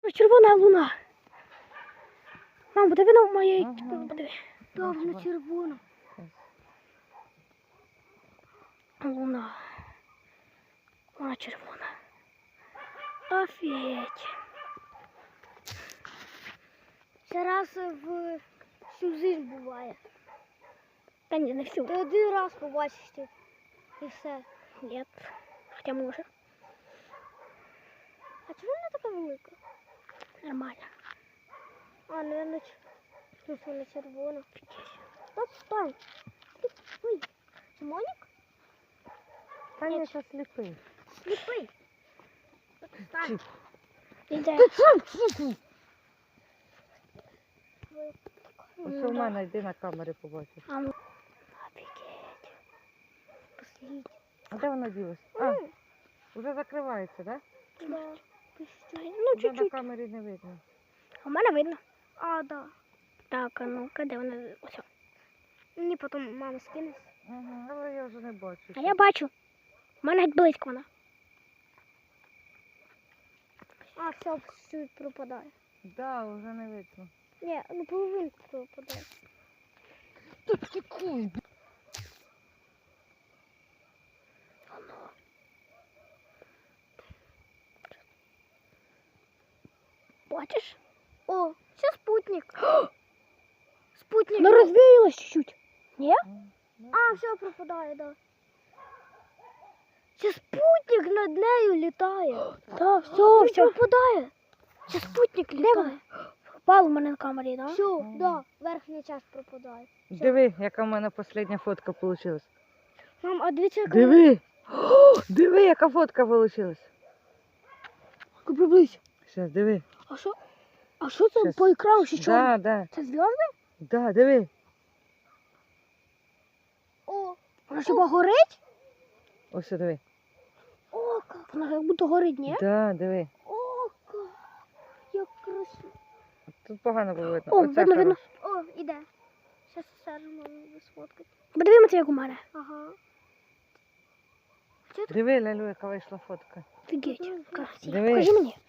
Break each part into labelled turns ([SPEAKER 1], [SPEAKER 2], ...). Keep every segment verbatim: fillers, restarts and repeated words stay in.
[SPEAKER 1] Червона луна. Мам, подиви на моє...
[SPEAKER 2] Ага.
[SPEAKER 1] Подиви.
[SPEAKER 2] Да,
[SPEAKER 1] Так, вона червона. Луна. Вона червона. Офігеть. Це раз в всю жизнь буває. Та ні, не всю. Ти один раз побачиш ти. І все. Ні. Хоча може. А чому вона така велика? Нормально. А, не, не, ну, вона червона. Стоп, стой. Ой, це Монік?
[SPEAKER 2] Та ні, це сліпий.
[SPEAKER 1] Сліпий. Стань.
[SPEAKER 2] Іде. Ось у мене, йди на камері побачиш.
[SPEAKER 1] А ну. Офігеть. Послідь.
[SPEAKER 2] А де вона ділась? А, вже закривається, так?
[SPEAKER 1] Да. Ну,
[SPEAKER 2] Вже на
[SPEAKER 1] чуть-чуть.
[SPEAKER 2] камері не видно.
[SPEAKER 1] А в мене видно. А, да. Так, а ну-ка, де вона? Ось. Мені потім мама скине.
[SPEAKER 2] Ага, але я вже не бачу.
[SPEAKER 1] А я бачу. У мене геть близько вона. А, все, чуть пропадає.
[SPEAKER 2] Так, да, вже не видно.
[SPEAKER 1] Ні, ну половинку пропадає.
[SPEAKER 2] Тут тікуй.
[SPEAKER 1] Бачиш? О, це спутник. Спутник. Ну розвіялось чуть-чуть. Ні? А, все пропадає, да. Це спутник над нею літає. Так, все, все пропадає. Це спутник літає. Пропав у мене на камері, так? Да? Все, так, да, верхня частина пропадає. Все.
[SPEAKER 2] Диви, яка в мене остання фотка вийшла.
[SPEAKER 1] Мам, а дивіться, яка...
[SPEAKER 2] Диви! О, диви, яка фотка вийшла.
[SPEAKER 1] Приблизь.
[SPEAKER 2] Зараз, диви.
[SPEAKER 1] А що? А що це
[SPEAKER 2] Щас.
[SPEAKER 1] по екрану ще чорно?
[SPEAKER 2] Да, да.
[SPEAKER 1] Це зв'язки?
[SPEAKER 2] Да, диви.
[SPEAKER 1] О, вона хіба горить?
[SPEAKER 2] Ось диви.
[SPEAKER 1] О, як. Вона як будто горить, ні?
[SPEAKER 2] Да, диви.
[SPEAKER 1] О, як. Як красиво.
[SPEAKER 2] Тут погано було видно.
[SPEAKER 1] О,
[SPEAKER 2] Оце
[SPEAKER 1] видно, видно.
[SPEAKER 2] хороше.
[SPEAKER 1] О, іде. Зараз сержемо сфоткати. Подивимося, як у мене. Ага.
[SPEAKER 2] Диви, Лялю, яка вийшла фотка.
[SPEAKER 1] Офігеть. Красиво.
[SPEAKER 2] Диви.
[SPEAKER 1] Покажи мені.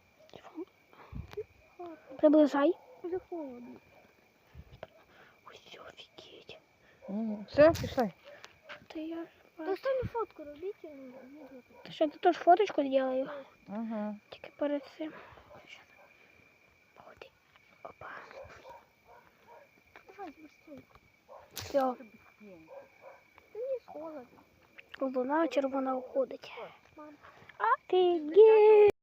[SPEAKER 1] Приближай.
[SPEAKER 3] Вже холодно.
[SPEAKER 1] Ось, офігеть.
[SPEAKER 2] Мгм. Все, пішли.
[SPEAKER 1] Та я...
[SPEAKER 3] То останню фотку робіть. і відео.
[SPEAKER 1] Та що, ти теж фоточку зроблю?
[SPEAKER 2] Ага.
[SPEAKER 1] Тільки перед цим. Походи. Опа.
[SPEAKER 3] Давай, быстрее.
[SPEAKER 1] Все.
[SPEAKER 3] Та не холодно.
[SPEAKER 1] Луна червона уходить.
[SPEAKER 3] Мам.
[SPEAKER 1] Офігеть.